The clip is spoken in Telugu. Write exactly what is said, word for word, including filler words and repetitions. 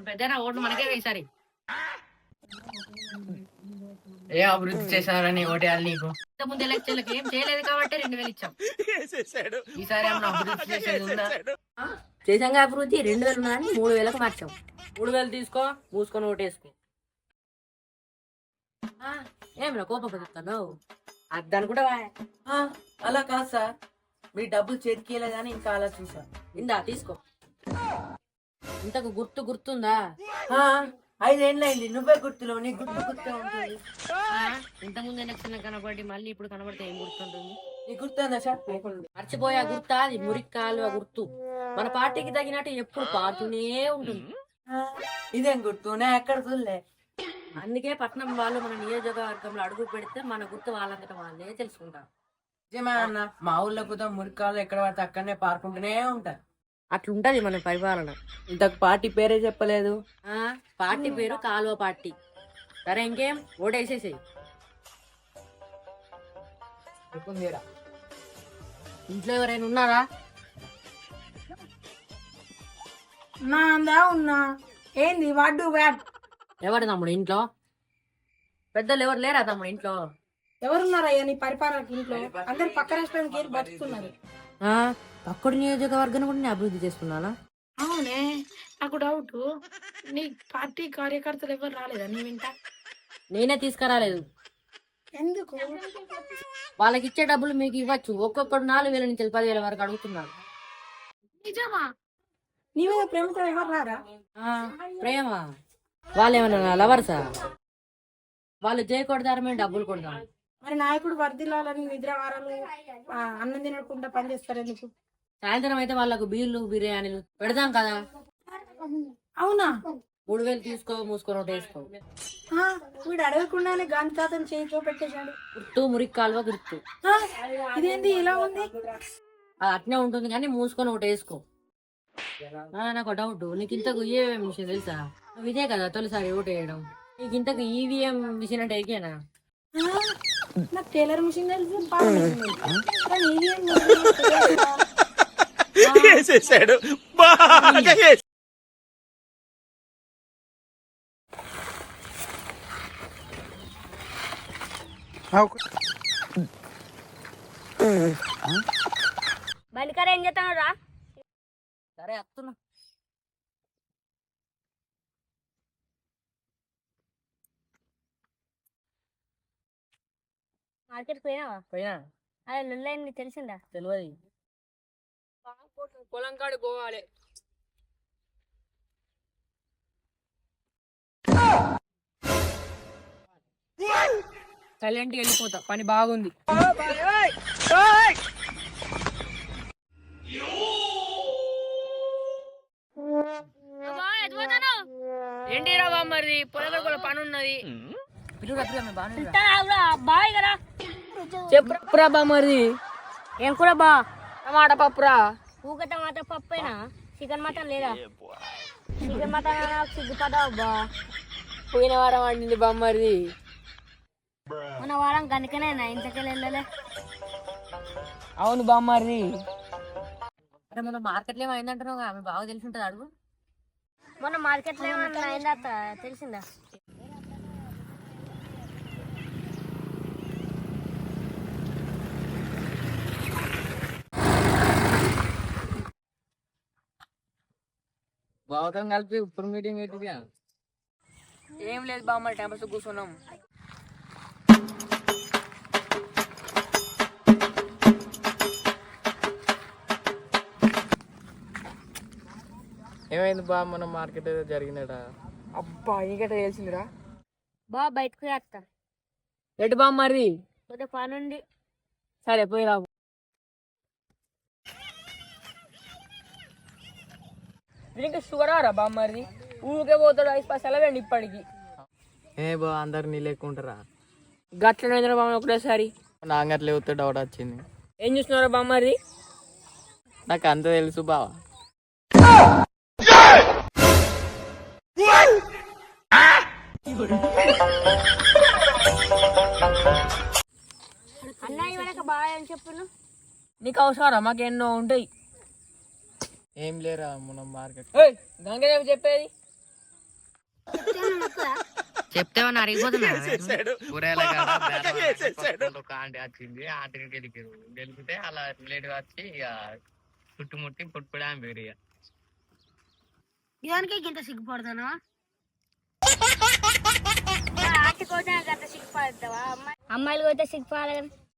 పెద్దనా ఓట్లు మనకే ఈసారి. ఏ అభివృద్ధి చేశారని ఓటేయాలి నీకు? ఇంతకుముందు ఎలక్షన్లకు ఏం చేయలేదు కాబట్టి రెండు వేలు ఇచ్చాం. ఈసారి ఏమన్నా అభివృద్ధి చేసేది ఉందా? చేసాంగా అభివృద్ధి. రెండు వేలు ఉన్నాయని మూడు వేలకు మార్చాం. మూడు వేలు తీసుకో, మూసుకొని ఓటేసుకో. ఏమన్నా కోపం పెడుతున్నావు? అది అనుకుంటావా? అలా కాదు సార్, మీ డబ్బులు చేతికేయలేదని ఇంకా ఆలోచించా. ఇందా తీసుకో. ఇంతకు గుర్తు గుర్తుందా? ఐదేళ్ళైంది, నువ్వే గుర్తులో, నీ గుర్తు గుర్తే ఉంటుంది. ఇంతకుముందు ఎలక్షన్ కనబడి మళ్ళీ ఇప్పుడు కనబడితే ఏం గుర్తుంటుంది? నీ గుర్తుందా సార్? మర్చిపోయా గుర్తా? అది మురిక్కాలు గుర్తు. మన పార్టీకి తగినట్టు ఎప్పుడు పారుతూనే ఉంటుంది. ఇదేం గుర్తు? నే ఎక్కడ చూడలే. అందుకే పట్నం వాళ్ళు మన నియోజకవర్గంలో అడుగు పెడితే మన గుర్తు వాళ్ళంతటా వాళ్ళే తెలుసుకుంటారు. నిజమే అన్న, మా ఊళ్ళో కూడా మురికాలు ఎక్కడ పడితే అక్కడనే పారుకుంటూనే ఉంటారు. అట్లుంటది మన పరిపాలన. ఇంతకు పార్టీ పేరే చెప్పలేదు. ఆ పార్టీ పేరు కాలువ పార్టీ. సరే ఇంకేం, ఓటేసేసేయి. ఇంట్లో ఎవరైనా ఉన్నారా? నా అందా ఉన్నా. ఏంది వాడు బ్యాడ్? ఎవరు తమ్ముడు ఇంట్లో? పెద్దలు ఎవరు లేరా తమ్ముడు ఇంట్లో? ఎవరున్నారయ్యా నీ పరిపాలనకి ఇంట్లో? అందరు పక్క రాష్ట్రానికి వెళ్ళి బతుకుతున్నారు. పక్కడి నియోజకవర్గాన్ని కూడా నేను అభివృద్ధి చేస్తున్నానా? అవునే, నాకు డౌట్. నీ పార్టీ కార్యకర్తలు ఎవరు రాలేదా నీ వెంట? నేనే తీసుకురాలేదు. ఎందుకు? వాళ్ళకి ఇచ్చే డబ్బులు మీకు ఇవ్వచ్చు. ఒక్కొక్కడు నాలుగు వేల నుంచి పదివేల వరకు అడుగుతున్నారు. నిజమా? నీ మీద ప్రేమతో ఎవరు రారా? ప్రేమ? వాళ్ళు ఏమన్నా లవర్సా? వాళ్ళు జై కొడతారు, మేము డబ్బులు కొడతాం. మరి నాయకుడు వర్దిల్లాలని నిద్రవారాలు అన్నం తినకుండా పనిచేస్తారు ఎందుకు? సాయంత్రం అయితే వాళ్ళకు బీర్లు బిర్యానీలు పెడతాం కదా. అవునా? మూడు వేలు తీసుకో, మూసుకొని ఒకటి వేసుకో. వీడు అడగకుండానే గాంధీ తాతను చేతిలో పెట్టేశాడు. గుర్తు మురికి కాలువ గుర్తు. ఇదేంది ఇలా ఉంది? అది అట్నే ఉంటుంది కానీ మూసుకొని ఒకటి వేసుకో. నాకు డౌట్, నీకు ఇంతకు ఈవీఎం మిషన్ తెలుసా? నువ్వు ఇదే కదా తొలిసారి ఓటు వేయడం. నీకు ఇంతకు ఈవీఎం మిషన్ అంటే ఎరికేనా? నాకు టైలర్ మిషన్ తెలుసు. బలికర ఏం చేస్తాను రా? సరే వస్తున్నా. మార్కెట్ పోయినావా? పోయినా. అదే లొల్లైంది తెలిసిందా? తెలియదు. పొలం కాడు పోవాలి. సైలెంట్గా వెళ్ళిపోతా, పని బాగుంది. ఏంటి రా బామ్మది, పొలం కూడా పని ఉన్నది. చెప్పురా బామ్మది. ఏం కూడా బా? టమాటా పప్పురా. ఊక టమాటా పప్పేనా? చికెన్ మటన్ లేదా? చికెన్ మటన్ సిగ్గుపడావు బా. పోయిన వారం వండింది బామ్మది. మన వారం కనుకనేనా ఇంతకెళ్ళి వెళ్ళలే? అవును బామ్మది. అరే మన మార్కెట్లో ఏమైందంటున్నావు? ఆమె బాగా తెలిసి ఉంటుంది, అడుగు. మొన్న మార్కెట్లో ఏమన్నా అయిందా తెలిసిందా? బావతం కలిపి ఇప్పుడు మీటింగ్ ఏంటిగా? ఏం లేదు బామ్మ, టెంపస్ కూర్చున్నాం. ఏమైంది బా? మన మార్కెట్ ఏదో జరిగిందట. అబ్బా నీకట తెలిసిందిరా? బా బయటకు వేస్తా. ఎటు బామ్మది? కొద్దిగా పని ఉంది. సరే పోయి రావు. ఇంకా షుగర్ రా బామ్మది? ఊరికే పోతాడు, ఐదు పైసలు వేయండి ఇప్పటికి. ఏ బా అందరు నీ లేకుంటారా? గట్లనే బామ్మ ఒకటేసారి. నాకు అట్లే వస్తే డౌట్ వచ్చింది. ఏం చూస్తున్నారా బామ్మది? నాకు అంత తెలుసు బావా. అన్నయ్య వెనక బాగా అని చెప్పు. నీకు అవసరం, మాకు ఎన్నో ఉంటాయి. ఏం లేరా మన మార్కెట్. గంగదేవి చెప్పేది చెప్తేమన్నా అరిగిపోతున్నా కూరగాయల కాడ బేరం ఆడితే ఒక ఆంటీ వచ్చింది ఆంటీని గెలిపారు గెలిపితే అలా రిలేట్ వచ్చి ఇక చుట్టుముట్టి పుట్టుపడి ఆమె పేరు ఇక ఇదానికి ఇంత సిగ్గుపడతాను ఆంటీ కోతే అంత సిగ్గుపడతావా అమ్మాయి అమ్మాయిలు కోతే సిగ్గుపడాలి కదా